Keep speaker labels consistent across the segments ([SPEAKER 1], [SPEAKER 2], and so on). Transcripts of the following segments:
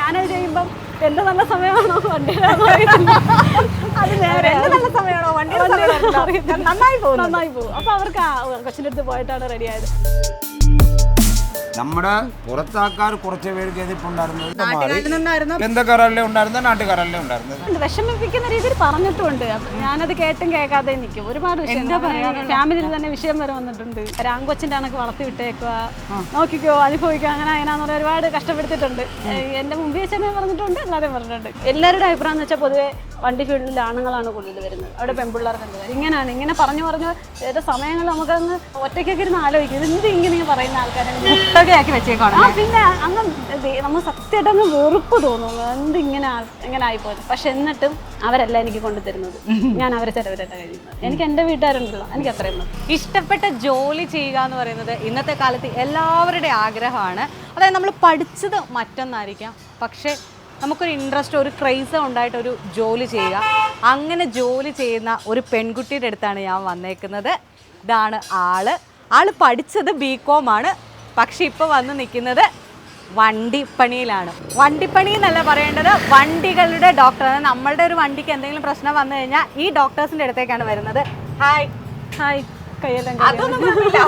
[SPEAKER 1] ഞാനത് ചെയ്യുമ്പം എന്റെ നല്ല സമയമാണോ വണ്ടിയിലാണോ അത് നേരെ
[SPEAKER 2] നല്ല സമയമാണോ നന്നായി
[SPEAKER 1] പോകും. അപ്പൊ അവർക്ക് കൊച്ചിൻ്റെ അടുത്ത് പോയിട്ടാണ് റെഡി ആയത്.
[SPEAKER 3] നമ്മുടെ പുറത്താക്കാർ കുറച്ച് പേർക്ക് എതിർപ്പുണ്ടായിരുന്നത്
[SPEAKER 2] നാട്ടുകാരനൊന്നായിരുന്നു
[SPEAKER 3] ബന്ധക്കാരല്ലേ ഉണ്ടായിരുന്നത്, നാട്ടുകാരല്ലേ ഉണ്ടായിരുന്നത്.
[SPEAKER 1] വിഷമിപ്പിക്കുന്ന രീതിയിൽ പറഞ്ഞിട്ടുണ്ട്. ഞാനത് കേട്ടും കേൾക്കാതെ നിൽക്കും. ഒരുപാട് വിഷയം ഫാമിലിയിൽ തന്നെ വിഷയം വരെ വന്നിട്ടുണ്ട്. രാങ്കൊച്ചിന്റെ കണക്ക് വളർത്തി വിട്ടേക്കുക, നോക്കിക്കോ, അനുഭവിക്കുക, അങ്ങനെ അങ്ങനെയാന്ന് പറഞ്ഞാൽ ഒരുപാട് കഷ്ടപ്പെടുത്തിയിട്ടുണ്ട്. എന്റെ മുമ്പിൽ വെച്ചെന്നെ പറഞ്ഞിട്ടുണ്ട്, അല്ലാതെ പറഞ്ഞിട്ടുണ്ട്. എല്ലാവരുടെ അഭിപ്രായം എന്ന് വെച്ചാൽ പൊതുവെ വണ്ടി ഫീൽഡിൽ ആണുങ്ങളാണ് കൂടുതൽ വരുന്നത്, അവിടെ പെൺപിള്ളേർക്ക് എന്ത് വരും. ഇങ്ങനെ പറഞ്ഞു ചില സമയങ്ങൾ നമുക്കങ്ങ് ഒറ്റയ്ക്കൊക്കെ ഇരുന്ന് ആലോചിക്കും, എന്ത് ഇങ്ങനെ പറയുന്ന ആൾക്കാരെ
[SPEAKER 2] ആക്കി വെച്ചേക്കാണ്.
[SPEAKER 1] പിന്നെ അങ്ങ് നമ്മൾ സത്യമായിട്ട് അങ്ങ് വെറുപ്പ് തോന്നുന്നു, എങ്ങനെ ആയിപ്പോയത്. പക്ഷെ എന്നിട്ടും അവരല്ല എനിക്ക് കൊണ്ടുതരുന്നത്, ഞാൻ അവരെ ചിലവരല്ല കഴിയുന്നത്. എനിക്ക് എൻ്റെ വീട്ടുകാരുണ്ടല്ലോ, എനിക്ക് അത്രയും മതി.
[SPEAKER 2] ഇഷ്ടപ്പെട്ട ജോലി ചെയ്യുക എന്ന് പറയുന്നത് ഇന്നത്തെ കാലത്ത് എല്ലാവരുടെയും ആഗ്രഹമാണ്. അതായത് നമ്മൾ പഠിച്ചത് മറ്റൊന്നായിരിക്കാം, പക്ഷേ നമുക്കൊരു ഇൻട്രസ്റ്റ്, ഒരു ക്രൈസ് ഉണ്ടായിട്ടൊരു ജോലി ചെയ്യുക. അങ്ങനെ ജോലി ചെയ്യുന്ന ഒരു പെൺകുട്ടിയുടെ അടുത്താണ് ഞാൻ വന്നേക്കുന്നത്. ഇതാണ് ആള് പഠിച്ചത് BCom ആണ്, പക്ഷെ ഇപ്പോൾ വന്ന് നിൽക്കുന്നത് വണ്ടിപ്പണിയിലാണ്. വണ്ടിപ്പണി എന്നല്ല പറയേണ്ടത്, വണ്ടികളുടെ ഡോക്ടർ. നമ്മളുടെ ഒരു വണ്ടിക്ക് എന്തെങ്കിലും പ്രശ്നം വന്നു കഴിഞ്ഞാൽ ഈ ഡോക്ടേഴ്സിൻ്റെ അടുത്തേക്കാണ് വരുന്നത്. ഹായ് അതൊന്നും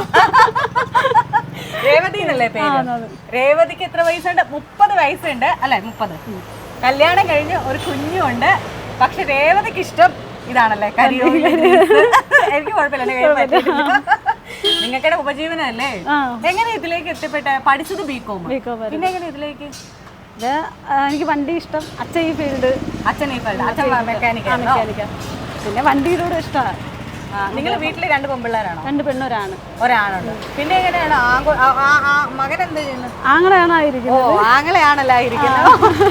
[SPEAKER 2] രേവതി എന്നല്ലേ പേര്? രേവതിക്ക് എത്ര വയസ്സുണ്ട്? 30 വയസ്സുണ്ട് അല്ലെ? 30. കല്യാണം കഴിഞ്ഞ് ഒരു കുഞ്ഞുണ്ട്. പക്ഷെ രേവതിക്ക് ഇഷ്ടം ഇതാണല്ലേ, കരിയോലി. എനിക്ക് കുഴപ്പമില്ല, നിങ്ങൾക്കിടെ ഉപജീവനല്ലേ. എങ്ങനെ ഇതിലേക്ക് എത്തിപ്പെട്ട? പഠിച്ചത് BCom, പിന്നെ എങ്ങനെ ഇതിലേക്ക്?
[SPEAKER 1] എനിക്ക് വണ്ടി ഇഷ്ടം, അച്ഛൻ ഈ ഫീൽഡ്,
[SPEAKER 2] അച്ഛൻ മെക്കാനിക്കൽ.
[SPEAKER 1] പിന്നെ വണ്ടിയിലൂടെ ഇഷ്ടമാണ്.
[SPEAKER 2] നിങ്ങൾ വീട്ടില് 2 പെൺപിള്ളേരാണോ?
[SPEAKER 1] 2 പെണ്ണൊരാണ്,
[SPEAKER 2] ഒരാണുണ്ട്. പിന്നെ എങ്ങനെയാണ് മകൻ എന്ത് ചെയ്യുന്നത്?
[SPEAKER 1] ആങ്ങളെയാണോ ഇരിക്കുന്നത്?
[SPEAKER 2] ആങ്ങളെയാണല്ലോ ഇരിക്കുന്നത്.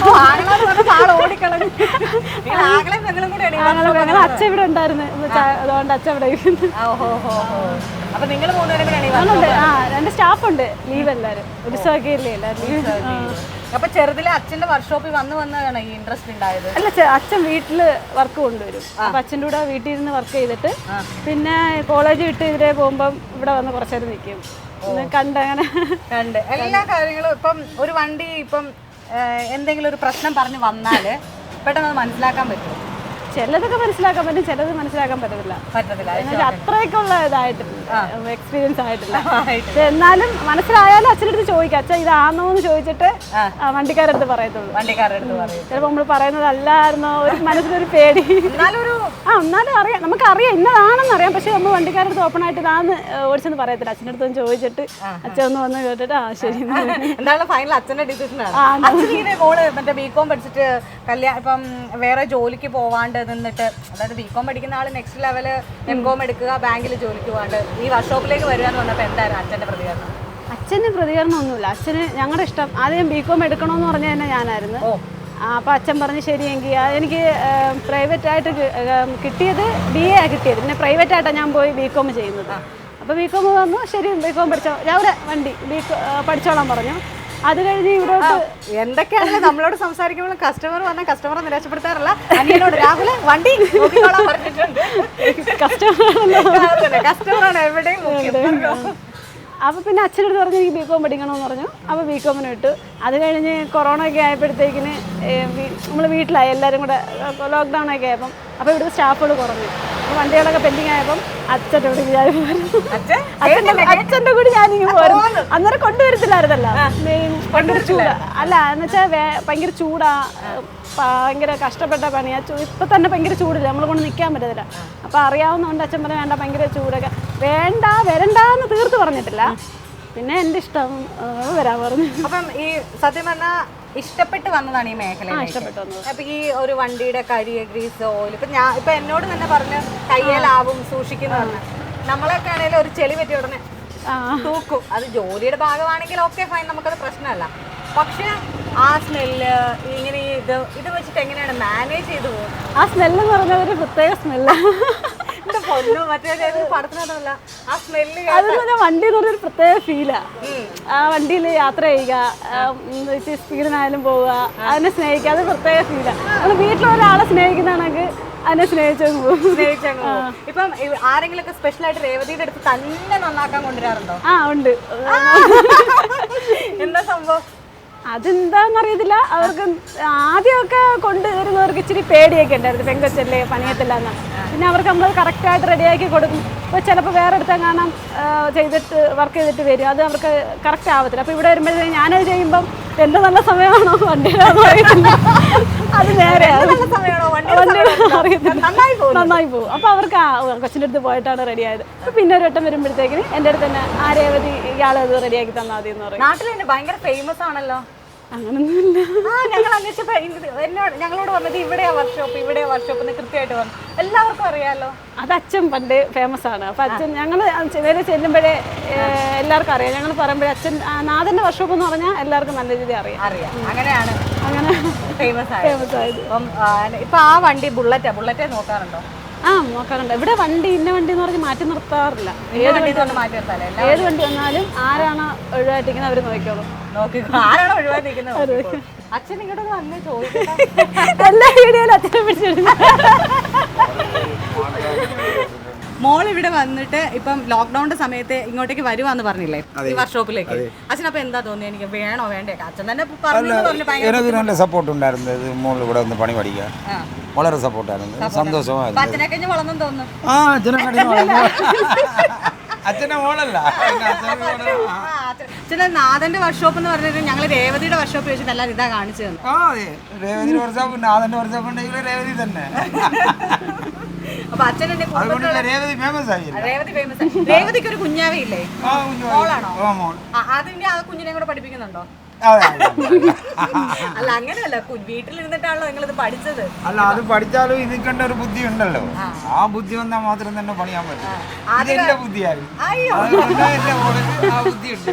[SPEAKER 2] ആള് ഓടിക്കളഞ്ഞു. ആങ്ങളെ പെങ്ങളും കൂടെ
[SPEAKER 1] അച്ഛൻ ഇവിടെ ഉണ്ടായിരുന്നു, അതുകൊണ്ട് അച്ഛൻ ഇവിടെ ഇരിക്കുന്നു.
[SPEAKER 2] അപ്പൊ നിങ്ങൾ 3 പേരും കൂടെ?
[SPEAKER 1] 2 സ്റ്റാഫ് ഉണ്ട്, ലീവ് എല്ലാവരും. ഉത്സവമൊക്കെ ഇല്ലേ എല്ലാവരും.
[SPEAKER 2] അപ്പൊ ചെറുതിലെ അച്ഛന്റെ വർക്ക്ഷോപ്പിൽ വന്നതാണ് ഈ ഇൻട്രസ്റ്റ് ഉണ്ടായത്?
[SPEAKER 1] അല്ല, അച്ഛൻ വീട്ടില് വർക്ക് കൊണ്ടുവരും. അപ്പൊ അച്ഛൻ്റെ കൂടെ വീട്ടിൽ ഇരുന്ന് വർക്ക് ചെയ്തിട്ട് പിന്നെ കോളേജ് വിട്ട് ഇതിലേ പോകുമ്പം ഇവിടെ വന്ന് കുറച്ചേരം നിൽക്കും. കണ്ട്
[SPEAKER 2] എല്ലാ കാര്യങ്ങളും. ഇപ്പം ഒരു വണ്ടി ഇപ്പം എന്തെങ്കിലും ഒരു പ്രശ്നം പറഞ്ഞ് വന്നാല് പെട്ടെന്ന് മനസ്സിലാക്കാൻ പറ്റും.
[SPEAKER 1] ചിലതൊക്കെ മനസ്സിലാക്കാൻ പറ്റും, ചിലത് മനസ്സിലാക്കാൻ പറ്റത്തില്ല. അത്രയ്ക്കുള്ള ഇതായിട്ടില്ല, എക്സ്പീരിയൻസ് ആയിട്ടില്ല. പക്ഷെ എന്നാലും മനസ്സിലായാലും അച്ഛൻ്റെ അടുത്ത് ചോദിക്കാം, അച്ഛൻ ഇതാണോ എന്ന് ചോദിച്ചിട്ട് വണ്ടിക്കാരുടെ അടുത്ത് പറയത്തുള്ളൂ. ചിലപ്പോൾ നമ്മൾ പറയുന്നത് അല്ലായിരുന്നോ ഒരു മനസ്സിലൊരു പേടി. എന്നാലും അറിയാം, നമുക്കറിയാം ഇന്നതാണെന്ന് അറിയാം. പക്ഷെ നമ്മൾ വണ്ടിക്കാരുടെ അടുത്ത് ഓപ്പൺ ആയിട്ട് ഇതാന്ന് ഓടിച്ചെന്ന് പറയത്തില്ല. അച്ഛൻ്റെ അടുത്ത് ചോദിച്ചിട്ട് അച്ഛൻ ഒന്ന് വന്ന് കേട്ടിട്ട് ശരി
[SPEAKER 2] എന്താണ് ഫൈനൽ അച്ഛൻ്റെ ഡിസിഷനാണ്. മറ്റേ BCom പഠിച്ചിട്ട് ഇപ്പം വേറെ ജോലിക്ക് പോവാണ്ട് നിന്നിട്ട്, അതായത് BCom പഠിക്കുന്ന ആള് നെക്സ്റ്റ് ലെവല് MCom എടുക്കുക, ബാങ്കിൽ ജോലിക്ക് പോകാണ്ട് ഈ വർക്ക്ഷോപ്പിലേക്ക് വരിക എന്ന് പറഞ്ഞപ്പോൾ എന്തായിരുന്നു അച്ഛൻ്റെ പ്രതികരണം?
[SPEAKER 1] അച്ഛന് പ്രതികരണം ഒന്നുമില്ല. അച്ഛന് ഞങ്ങളുടെ ഇഷ്ടം. ആദ്യം BCom എടുക്കണമെന്ന് പറഞ്ഞ തന്നെ ഞാനായിരുന്നു. അപ്പോൾ അച്ഛൻ പറഞ്ഞ് ശരിയെങ്കിൽ എനിക്ക് പ്രൈവറ്റായിട്ട് കിട്ടിയത് BA കിട്ടിയത്. പിന്നെ പ്രൈവറ്റായിട്ടാണ് ഞാൻ പോയി BCom ചെയ്യുന്നത്. അപ്പോൾ BCom വന്നു, ശരി BCom പഠിച്ചോ, രാവിലെ വണ്ടി പഠിച്ചോളാൻ പറഞ്ഞു. അത് കഴിഞ്ഞ് ഇവിടോട്ട്
[SPEAKER 2] എന്തൊക്കെയാണെങ്കിലും നമ്മളോട് സംസാരിക്കുമ്പോൾ കസ്റ്റമർ വന്നാൽ കസ്റ്റമറെ നിരാശപ്പെടുത്താറില്ല. അനിയനോട് രാഹുലെ വണ്ടി പറഞ്ഞിട്ടുണ്ട്. കസ്റ്റമറാണ് എവിടെയും.
[SPEAKER 1] അപ്പോൾ പിന്നെ അച്ഛനടുത്ത് പറഞ്ഞു എനിക്ക് BCom പഠിക്കണമെന്ന് പറഞ്ഞു. അപ്പോൾ BComന് വിട്ടു. അത് കഴിഞ്ഞ് കൊറോണ ഒക്കെ ആയപ്പോഴത്തേക്കിന് നമ്മൾ വീട്ടിലായി എല്ലാവരും കൂടെ, ലോക്ക്ഡൗൺ ഒക്കെ ആയപ്പം. അപ്പോൾ ഇവിടുത്തെ സ്റ്റാഫുകൾ കുറഞ്ഞു. അപ്പോൾ വണ്ടികളൊക്കെ പെൻഡിങ് ആയപ്പം അച്ഛൻ്റെ കൂടി അച്ഛൻ്റെ കൂടി ഞാനിങ്ങനെ പോയിരുന്നു. അന്നേരം കൊണ്ടുവരത്തില്ലായിരുന്നല്ലോ, ഭയങ്കര ചൂടാ. അല്ല എന്ന് വെച്ചാൽ ഭയങ്കര ചൂടാ, ഭയങ്കര കഷ്ടപ്പെട്ട പണിയാ. ഇപ്പം തന്നെ ഭയങ്കര ചൂടില്ല, നമ്മളെ കൊണ്ട് നിൽക്കാൻ പറ്റത്തില്ല. അപ്പോൾ അറിയാവുന്നതുകൊണ്ട് അച്ഛൻ പറഞ്ഞാൽ വേണ്ട, ഭയങ്കര ചൂടൊക്കെ വരണ്ടെന്ന് തീർത്ത് പറഞ്ഞിട്ടില്ല. പിന്നെ എൻ്റെ ഇഷ്ടം വരാൻ പറഞ്ഞു.
[SPEAKER 2] അപ്പം ഈ സത്യം പറഞ്ഞാൽ ഇഷ്ടപ്പെട്ട് വന്നതാണ് ഈ മേഖല. അപ്പൊ ഈ ഒരു വണ്ടിയുടെ കരി, ഗ്രീസ്, ഓയിൽ, ഇപ്പൊ എന്നോട് തന്നെ പറഞ്ഞ് കയ്യേലാവും സൂക്ഷിക്കുന്നതെന്ന്. നമ്മളൊക്കെ ആണെങ്കിലും ഒരു ചെളി പറ്റി ഉടനെ തൂക്കും. അത് ജോലിയുടെ ഭാഗമാണെങ്കിൽ ഓക്കെ ഫൈൻ, നമുക്കത് പ്രശ്നമല്ല. പക്ഷെ ആ സ്മെല്ല് ഇങ്ങനെ ഇത് വെച്ചിട്ട് എങ്ങനെയാണ് മാനേജ് ചെയ്തു പോകും?
[SPEAKER 1] ആ സ്മെല്ലെന്ന് പറഞ്ഞാൽ ഒരു പ്രത്യേക സ്മെല്ല്.
[SPEAKER 2] പടത്തിനല്ല ആ സ്മെല്ല്.
[SPEAKER 1] അതെന്ന് വണ്ടി എന്ന് പറഞ്ഞൊരു പ്രത്യേക ഫീലാ. ആ വണ്ടിയിൽ യാത്ര ചെയ്യുക, സ്പീഡിനായാലും പോവുക, അതിനെ സ്നേഹിക്കുക, അത് പ്രത്യേക ഫീലാ. നമ്മൾ വീട്ടിലൊരാളെ സ്നേഹിക്കുന്നതാണെങ്കിൽ അതിനെ സ്നേഹിച്ചങ്ങ് പോകും.
[SPEAKER 2] ഇപ്പം ആരെങ്കിലും ഒക്കെ സ്പെഷ്യൽ ആയിട്ട് രേവതിയുടെ അടുത്ത് തന്നെ നന്നാക്കാൻ കൊണ്ടുവരാറുണ്ടോ?
[SPEAKER 1] ഉണ്ട്.
[SPEAKER 2] എന്താ സംഭവം?
[SPEAKER 1] അതെന്താന്നറിയത്തില്ല. അവർക്ക് ആദ്യമൊക്കെ കൊണ്ടുവരുന്നവർക്ക് ഇച്ചിരി പേടിയൊക്കെ ഉണ്ടായിരുന്നു, പെങ്കൊച്ചല്ലേ പണിയത്തില്ല എന്ന്. പിന്നെ അവർക്ക് നമ്മൾ കറക്റ്റായിട്ട് റെഡിയാക്കി കൊടുക്കും. ഇപ്പോൾ ചിലപ്പോൾ വേറെ അടുത്ത് കാണാം ചെയ്തിട്ട് വർക്ക് ചെയ്തിട്ട് വരും, അത് അവർക്ക് കറക്റ്റ് ആവത്തില്ല. അപ്പോൾ ഇവിടെ വരുമ്പോഴത്തേക്കും ഞാനത് ചെയ്യുമ്പം എൻ്റെ നല്ല സമയമാണോ വണ്ടിയിലാണോ അറിയത്തില്ല, അത് നേരെ നന്നായി പോകും. അപ്പോൾ അവർക്ക് കൊച്ചിൻ്റെ അടുത്ത് പോയിട്ടാണ് റെഡിയായത്. അപ്പോൾ പിന്നെ ഒരു വട്ടം വരുമ്പോഴത്തേക്കിന് എൻ്റെ അടുത്ത് തന്നെ ആ രേവതി ഇയാളത് റെഡിയാക്കി തന്നാൽ മതി എന്ന് പറയും.
[SPEAKER 2] നാട്ടിൽ തന്നെ ഭയങ്കര ഫേമസ് ആണല്ലോ.
[SPEAKER 1] അങ്ങനൊന്നുമില്ല.
[SPEAKER 2] ഞങ്ങൾ അന്വേഷിച്ചപ്പോൾ ഞങ്ങളോട് പറഞ്ഞത് ഇവിടെയാ വർക്ക്ഷോപ്പ് എന്ന് കൃത്യമായിട്ട് പറഞ്ഞു. എല്ലാവർക്കും അറിയാലോ.
[SPEAKER 1] അത് അച്ഛൻ പണ്ട് ഫേമസ് ആണ്. അപ്പം അച്ഛൻ ഞങ്ങൾ വേറെ ചെല്ലുമ്പോഴേ എല്ലാവർക്കും അറിയാം. ഞങ്ങൾ പറയുമ്പോഴേ അച്ഛൻ നാഥൻ്റെ വർക്ക്ഷോപ്പ് എന്ന് പറഞ്ഞാൽ എല്ലാവർക്കും നല്ല രീതിയിൽ അറിയാം.
[SPEAKER 2] അങ്ങനെയാണ്
[SPEAKER 1] അങ്ങനെ
[SPEAKER 2] ഫേമസ്
[SPEAKER 1] ആയത്.
[SPEAKER 2] ഇപ്പം ആ വണ്ടി ബുള്ളറ്റേ നോക്കാറുണ്ടോ?
[SPEAKER 1] നോക്കാറുണ്ട്. ഇവിടെ വണ്ടി ഇന്ന വണ്ടി എന്ന് പറഞ്ഞ് മാറ്റി നിർത്താറില്ല. ഏത് വണ്ടി വന്നാലും ആരാണ് ഒഴിവായിട്ടിരിക്കുന്നത് അവർ നോക്കിക്കോളും.
[SPEAKER 2] അച്ഛൻ ഇങ്ങോട്ട് വന്ന് ചോദിക്കും.
[SPEAKER 1] എല്ലാ വീഡിയോയിലും അച്ഛനെ പിടിച്ചിടുന്നു.
[SPEAKER 2] മോൾ ഇവിടെ വന്നിട്ട് ഇപ്പം ലോക്ക്ഡൌണിന്റെ സമയത്ത് ഇങ്ങോട്ടേക്ക് വരുവാന്ന് പറഞ്ഞില്ലേ ഈ വർക്ക്ഷോപ്പിലേക്ക്. അച്ഛൻ അപ്പൊ എന്താ തോന്നിയത്, എനിക്ക് വേണോ വേണ്ടേ? അച്ഛൻ തന്നെ
[SPEAKER 3] എനിക്ക് നല്ല സപ്പോർട്ട് ഉണ്ടായിരുന്നു. മോൾ ഇവിടെ വന്ന് പണി പഠിക്കാൻ വളരെ സപ്പോർട്ടായിരുന്നു, സന്തോഷമായിരുന്നു.
[SPEAKER 2] അച്ഛനെ കഴിഞ്ഞ് വളർന്നെന്ന് തോന്നുന്നു.
[SPEAKER 3] അച്ഛനെ മോളല്ല,
[SPEAKER 2] അച്ഛനെ നാഥന്റെ വർക്ക്ഷോപ്പ് എന്ന് പറഞ്ഞിട്ട് ഞങ്ങൾ രേവതിയുടെ വർക്ക്ഷോപ്പ് വെച്ചിട്ട് എല്ലാം ഇതാ കാണിച്ചു തന്നു.
[SPEAKER 3] രേവതിയുടെ വർക്ക്ഷോപ്പ് നാഥന്റെ വർക്ക്ഷോപ്പ് ഉണ്ടെങ്കിൽ രേവതി തന്നെ.
[SPEAKER 2] അപ്പൊ അച്ഛൻ രേവതിക്ക് ഒരു കുഞ്ഞാവയില്ലേ? മോളാണോ? അതിന്റെ ആ കുഞ്ഞിനെ കൂടെ പഠിപ്പിക്കുന്നുണ്ടോ? അല്ല അങ്ങനെയല്ല, വീട്ടിലിരുന്നിട്ടാണല്ലോ നിങ്ങളിത് പഠിച്ചത്.
[SPEAKER 3] അല്ല, അത് പഠിച്ചാലും ഇതിക്കേണ്ട ഒരു ബുദ്ധി ഉണ്ടല്ലോ. ആ ബുദ്ധി വന്നാൽ മാത്രം തന്നെ പണിയാൻ പറ്റും. അതെന്റെ ബുദ്ധിയായിരുന്നു. ആ ബുദ്ധിയുണ്ട്.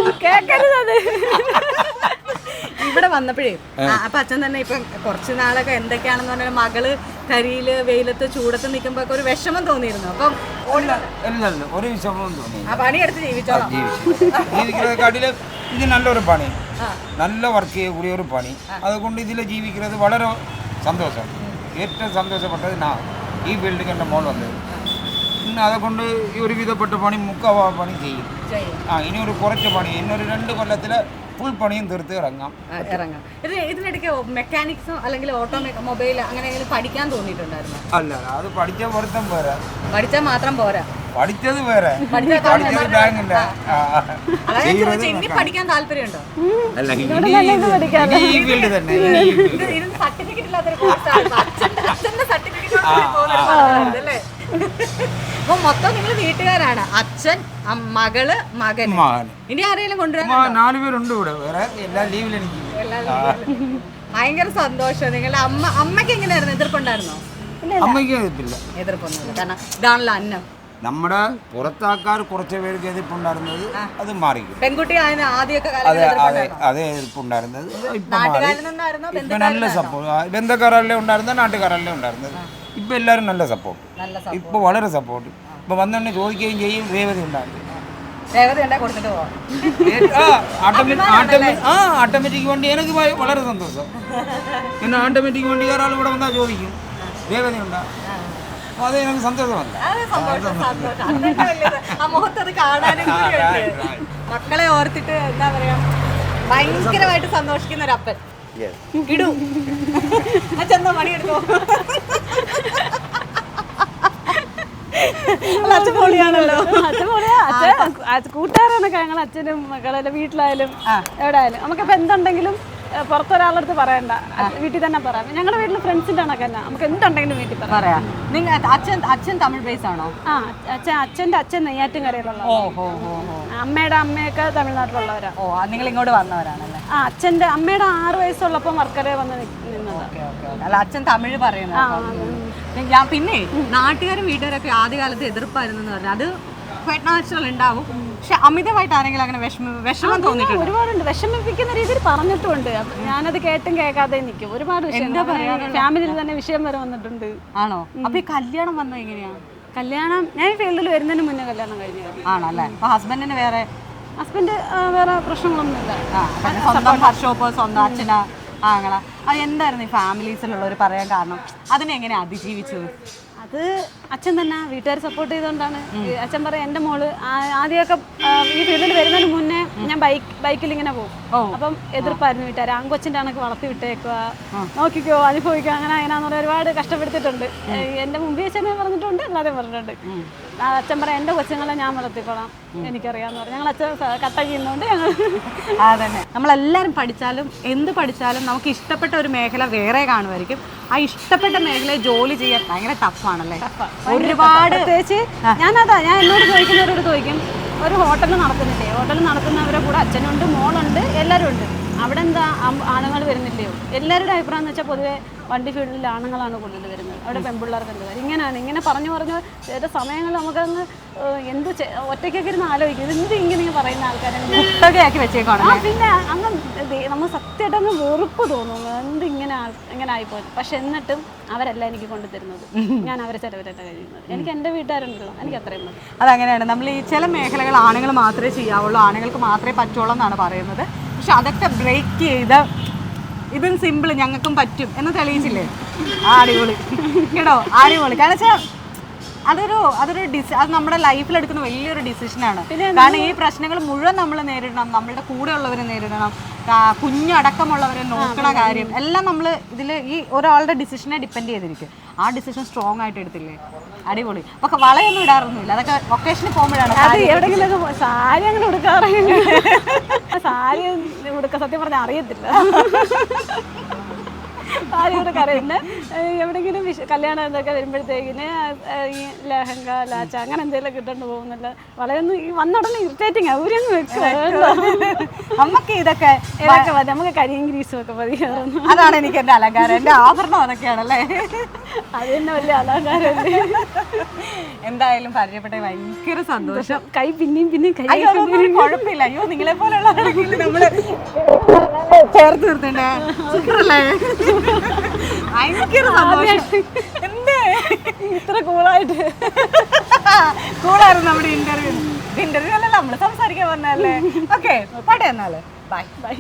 [SPEAKER 2] ഇവിടെ വന്നപ്പോഴേ അപ്പൊ അച്ഛൻ തന്നെ ഇപ്പൊ കുറച്ച് നാളൊക്കെ എന്തൊക്കെയാണെന്ന് പറഞ്ഞാൽ മകള് കരിയില് വെയിലത്ത് ചൂടത്ത് നിൽക്കുമ്പോ ഒരു വിഷമം തോന്നിയിരുന്നു. അപ്പം
[SPEAKER 3] ഒരു വിഷമവും തോന്നി.
[SPEAKER 2] ആ പണിയെടുത്ത് ജീവിച്ചോളാം.
[SPEAKER 3] ജീവിക്കുന്നതിനെക്കാട്ടില് ഇത് നല്ലൊരു പണി, നല്ല വർക്ക് ചെയ്യக்கூடிய ഒരു പണി. അതുകൊണ്ട് ഇതിൽ ജീവിക്കുന്നത് വളരെ സന്തോഷം. ഏറ്റവും സന്തോഷപ്പെട്ടത് ഈ ഫീൽഡിൽ എൻ്റെ മോൾ വന്നത്. പിന്നെ അതുകൊണ്ട് ഈ ഒരു വിധപ്പെട്ട പണി പണി ചെയ്യും. ഇനി ഒരു കുറച്ച് പണി, ഇന്നൊരു 2 കൊല്ലത്തിൽ ഫുൾ പണിയും തീർത്ത് ഇറങ്ങാം.
[SPEAKER 2] ഇതിനിടയ്ക്ക് മെക്കാനിക്സോ അല്ലെങ്കിൽ ഓട്ടോമൊബൈൽ അങ്ങനെ പഠിക്കാൻ തോന്നിയിട്ടുണ്ടായിരുന്നു?
[SPEAKER 3] അല്ല, അത് പഠിച്ച പൊരുത്തം പോരാ.
[SPEAKER 2] പഠിച്ചാൽ മാത്രം പോരാ,
[SPEAKER 3] പഠിച്ചത് വേറെ.
[SPEAKER 2] ഇനി പഠിക്കാൻ താല്പര്യമുണ്ടോ?
[SPEAKER 3] അല്ല, ഈ ഫീൽഡ് തന്നെ.
[SPEAKER 2] സർട്ടിഫിക്കറ്റ് ഇല്ലാത്തൊരു കോഴ്സാണ്. അച്ഛന്റെ സർട്ടിഫിക്കറ്റ് അല്ലേ? അപ്പൊ മൊത്തം നിങ്ങൾ വീട്ടുകാരാണ്, അച്ഛൻ, മകള്, മകൻ. ഇനി ആരെങ്കിലും കൊണ്ടുവരാൻ?
[SPEAKER 3] 4 പേരുണ്ട് ഇവിടെ, വേറെ എല്ലാ ലീവിലും എനിക്ക്.
[SPEAKER 2] ഭയങ്കര സന്തോഷം. നിങ്ങളുടെ അമ്മയ്ക്ക് എങ്ങനെയായിരുന്നു? എതിർപ്പുണ്ടായിരുന്നോ?
[SPEAKER 3] അമ്മയ്ക്ക് എതിർപ്പില്ല.
[SPEAKER 2] എതിർപ്പൊന്നുമില്ല. കാരണം ഇതാണല്ലോ അന്നം.
[SPEAKER 3] നമ്മുടെ പുറത്താക്കാർ കുറച്ച് പേർക്ക് എതിർപ്പുണ്ടായിരുന്നത് അത് മാറി.
[SPEAKER 2] പെൺകുട്ടി ആദ്യമൊക്കെ
[SPEAKER 3] അതേ എതിർപ്പുണ്ടായിരുന്നത് ഇപ്പൊ നല്ല സപ്പോർട്ട്. ബന്ധക്കാരല്ലേ ഉണ്ടായിരുന്നത്, നാട്ടുകാരല്ലേ ഉണ്ടായിരുന്നത്. ഇപ്പൊ എല്ലാവരും നല്ല സപ്പോർട്ട്, ഇപ്പൊ വളരെ സപ്പോർട്ട്. ഇപ്പൊ വന്നെ ചോദിക്കുകയും ചെയ്യും. രേവതി ഉണ്ടായിരുന്നു. ഓട്ടോമാറ്റിക് വണ്ടി എനിക്ക് വളരെ സന്തോഷം. പിന്നെ ഓട്ടോമാറ്റിക് വണ്ടി ഒരാൾ ഇവിടെ വന്നാൽ ചോദിക്കും രേവതി ഉണ്ടാ, അത് എനിക്ക് സന്തോഷമല്ല.
[SPEAKER 2] മക്കളെ ഓർത്തിട്ട് എന്താ പറയാ, ഭയങ്കരമായിട്ട് സന്തോഷിക്കുന്ന ഒരു അപ്പൻ. ഇടൂ അച്ഛൻ പണിയെടുത്തോ. അച്ഛൻ പൊളിയാണല്ലോ.
[SPEAKER 1] അച്ഛൻ പൊളിയാ. കൂട്ടുകാരാണൊക്കെ ഞങ്ങൾ അച്ഛനും മക്കളെ വീട്ടിലായാലും എവിടെ ആയാലും നമുക്കിപ്പോൾ എന്തുണ്ടെങ്കിലും പുറത്തൊരാളടുത്ത് പറയണ്ട, വീട്ടിൽ തന്നെ പറയാം. ഞങ്ങളുടെ വീട്ടിൽ ഫ്രണ്ട്സിന്റെ കണക്ക് തന്നെ, നമുക്ക് എന്തുണ്ടെങ്കിലും വീട്ടിൽ പറയാം.
[SPEAKER 2] അച്ഛൻ തമിഴ് ബേസ് ആണോ?
[SPEAKER 1] അച്ഛൻ്റെ അച്ഛൻ നെയ്യാറ്റിൻകരയിലുള്ള, അമ്മയുടെ അമ്മയൊക്കെ തമിഴ്നാട്ടിലുള്ളവരാ.
[SPEAKER 2] നിങ്ങൾ ഇങ്ങോട്ട് വന്നവരാണല്ലേ?
[SPEAKER 1] അച്ഛൻ്റെ അമ്മയുടെ 6 വയസ്സുള്ളപ്പോൾ വർക്കലയിൽ വന്ന് നിന്നത്.
[SPEAKER 2] അല്ല, അച്ഛൻ തമിഴ് പറയുന്നത്. ഞാൻ പിന്നെ നാട്ടുകാരും വീട്ടുകാരൊക്കെ ആദ്യകാലത്ത് എതിർപ്പായിരുന്നു പറഞ്ഞാൽ അത് നാച്ചുറൽ ഉണ്ടാവും. പക്ഷെ അമിതമായിട്ട് ആരെങ്കിലും അങ്ങനെ വിഷമം തോന്നിയിട്ടുണ്ട്?
[SPEAKER 1] ഒരുപാടുണ്ട്, വിഷമിപ്പിക്കുന്ന രീതിയിൽ പറഞ്ഞിട്ടുണ്ട്. ഞാനത് കേട്ടും കേൾക്കാതെ നിൽക്കും. ഒരുപാട് ഫാമിലിയിൽ തന്നെ വിഷയം വരെ വന്നിട്ടുണ്ട്.
[SPEAKER 2] ആണോ? അപ്പൊ ഈ കല്യാണം വന്നത് എങ്ങനെയാണ്?
[SPEAKER 1] കല്യാണം ഞാൻ ഫീൽഡിൽ വരുന്നതിന് മുന്നേ കല്യാണം കഴിഞ്ഞു.
[SPEAKER 2] ആണല്ലേ? അപ്പൊ ഹസ്ബൻഡിന് വേറെ
[SPEAKER 1] പ്രശ്നങ്ങളൊന്നുമില്ല.
[SPEAKER 2] സ്വന്തം വർക്ക്ഷോപ്പ്, സ്വന്തം അച്ഛനാ അങ്ങനെ. അത് എന്തായിരുന്നു ഈ ഫാമിലീസിലുള്ളവർ പറയാൻ കാരണം? അതിനെങ്ങനെ അതിജീവിച്ചത്?
[SPEAKER 1] അത് അച്ഛൻ തന്നെ വീട്ടുകാർ സപ്പോർട്ട് ചെയ്തുകൊണ്ടാണ്. അച്ഛൻ പറയും എൻ്റെ മോള് ആദ്യമൊക്കെ ഈ ഫീൽഡിൽ വരുന്നതിന് മുന്നേ ഞാൻ ബൈക്കിൽ ഇങ്ങനെ പോകും. അപ്പം എതിർപ്പായിരുന്നു വീട്ടുകാർ. ആൺകൊച്ചിൻ്റെ കണക്ക് വളർത്തി വിട്ടേക്കുക, നോക്കിക്കോ, അനുഭവിക്കുക, അങ്ങനെ അങ്ങനെയാന്ന് പറഞ്ഞാൽ ഒരുപാട് കഷ്ടപ്പെടുത്തിയിട്ടുണ്ട്. എൻ്റെ മുമ്പിൽ അച്ഛനെ പറഞ്ഞിട്ടുണ്ട്, അല്ലാതെ പറഞ്ഞിട്ടുണ്ട്. അച്ഛൻ പറയാം എൻ്റെ കൊച്ചുങ്ങളെ ഞാൻ വളർത്തിക്കോളാം, എനിക്കറിയാമെന്ന് പറഞ്ഞു. ഞങ്ങൾ അച്ഛൻ കട്ട ചെയ്യുന്നതുകൊണ്ട് ഞങ്ങൾ
[SPEAKER 2] അതന്നെ. നമ്മളെല്ലാവരും പഠിച്ചാലും എന്ത് പഠിച്ചാലും നമുക്ക് ഇഷ്ടപ്പെട്ട ഒരു മേഖല വേറെ കാണുമായിരിക്കും. ആ ഇഷ്ടപ്പെട്ട മേഖലയിൽ ജോലി ചെയ്യാൻ ഭയങ്കര ടഫാണല്ലേ? ഒരുപാട്
[SPEAKER 1] പ്രത്യേകിച്ച് ഞാൻ എന്നോട് ചോദിക്കുന്നവരോട് ചോദിക്കും, ഒരു ഹോട്ടൽ നടത്തുന്നില്ലേ, ഹോട്ടൽ നടത്തുന്നവരെ കൂടെ അച്ഛനുണ്ട്, മോളുണ്ട്, എല്ലാവരും ഉണ്ട്, അവിടെ എന്താ ആണുങ്ങൾ വരുന്നില്ലയോ? എല്ലാവരുടെ അഭിപ്രായം എന്ന് വെച്ചാൽ പൊതുവെ വണ്ടി ഫീൽഡിൽ ആണുങ്ങളാണ് കൂടുതൽ വരുന്നത്, അവിടെ പെൺപിള്ളേർക്ക് എന്ത് കാര്യം. ഇങ്ങനെ പറഞ്ഞു ചില സമയങ്ങൾ നമുക്കങ്ങ് ഒറ്റയ്ക്കൊക്കെ ഇരുന്ന് ആലോചിക്കും, എന്ത് ഇങ്ങനെ പറയുന്ന ആൾക്കാരെ
[SPEAKER 2] ആക്കി വെച്ചേക്കാണ്.
[SPEAKER 1] പിന്നെ അങ്ങ് നമ്മൾ സത്യമായിട്ട് അങ്ങ് വെറുപ്പ് തോന്നുന്നു, ഇങ്ങനെ ആയിപ്പോയി. പക്ഷെ എന്നിട്ടും അവരല്ല എനിക്ക് കൊണ്ടുതരുന്നത്, ഞാൻ അവരെ ചിലവരല്ല കഴിയുന്നത്. എനിക്ക് എൻ്റെ വീട്ടുകാരുണ്ടല്ലോ, എനിക്ക് അത്രയും മതി.
[SPEAKER 2] അതങ്ങനെയാണ്. നമ്മൾ ഈ ചില മേഖലകൾ ആണുങ്ങൾ മാത്രമേ ചെയ്യാവുള്ളൂ, ആണുങ്ങൾക്ക് മാത്രമേ പറ്റുള്ളൂ എന്നാണ് പറയുന്നത്. പക്ഷെ അതൊക്കെ ബ്രേക്ക് ചെയ്ത് ഇതും സിമ്പിൾ ഞങ്ങൾക്കും പറ്റും എന്ന് തെളിയിച്ചില്ലേ? അടിപൊളി കേട്ടോ, അടിപൊളി. കാരണം വെച്ചാൽ അത് നമ്മുടെ ലൈഫിൽ എടുക്കുന്ന വലിയൊരു ഡിസിഷനാണ്. കാരണം ഈ പ്രശ്നങ്ങൾ മുഴുവൻ നമ്മൾ നേരിടണം, നമ്മളുടെ കൂടെയുള്ളവരെ നേരിടണം, കുഞ്ഞടക്കമുള്ളവരെ നോക്കണ കാര്യം എല്ലാം നമ്മൾ ഇതിൽ ഈ ഒരാളുടെ ഡിസിഷനെ ഡിപ്പെൻഡ് ചെയ്തിരിക്കും. ആ ഡിസിഷൻ സ്ട്രോങ് ആയിട്ട് എടുത്തില്ലേ? അടിപൊളി. പക്ഷെ വളയൊന്നും ഇടാറൊന്നുമില്ല, അതൊക്കെ ഒക്കേഷനിൽ പോകുമ്പോഴാണ്.
[SPEAKER 1] എവിടെയെങ്കിലും സാരി അങ്ങനെ ഉടുക്കാറില്ല. സാരി ഉടുക്ക സത്യം പറഞ്ഞാൽ അറിയത്തില്ല, സാരി ഉടുക്കാറില്ല. എവിടെയെങ്കിലും കല്യാണം എന്തൊക്കെ വരുമ്പോഴത്തേക്കിന് ഈ ലഹങ്ക ലാച്ച അങ്ങനെ എന്തെങ്കിലും കിട്ടേണ്ടി പോകുന്നില്ല. വളയൊന്നും ഈ വന്നുടനെ ഇറിറ്റേറ്റിംഗ് അവരൊന്നും വെക്കുക.
[SPEAKER 2] നമുക്ക് ഇതൊക്കെ
[SPEAKER 1] മതി, നമുക്ക് കരിയും ഗ്രീസും ഒക്കെ മതി.
[SPEAKER 2] അതാണ് എനിക്ക് എൻ്റെ അലങ്കാരം, എൻ്റെ ആഭരണം അതൊക്കെയാണല്ലേ.
[SPEAKER 1] അത് തന്നെ വലിയ അലങ്കാരമല്ലേ.
[SPEAKER 2] എന്തായാലും പരിചയപ്പെട്ട ഭയങ്കര സന്തോഷം.
[SPEAKER 1] കൈ പിന്നെയും കൈ
[SPEAKER 2] കുഴപ്പമില്ല. അയ്യോ, നിങ്ങളെ പോലുള്ള നമ്മള് ചേർത്ത് നിർത്തണ്ടേ? സൂപ്പറല്ലേ? ഭയങ്കര സന്തോഷം. എന്തേ
[SPEAKER 1] ഇത്ര കൂളായിട്ട്?
[SPEAKER 2] കൂളായിരുന്നു നമ്മുടെ ഇന്റർവ്യൂ അല്ലല്ലോ, നമ്മള് സംസാരിക്കാൻ പറഞ്ഞല്ലേ. ഓക്കെ, പോട്ടെ എന്നാല്. ബൈ.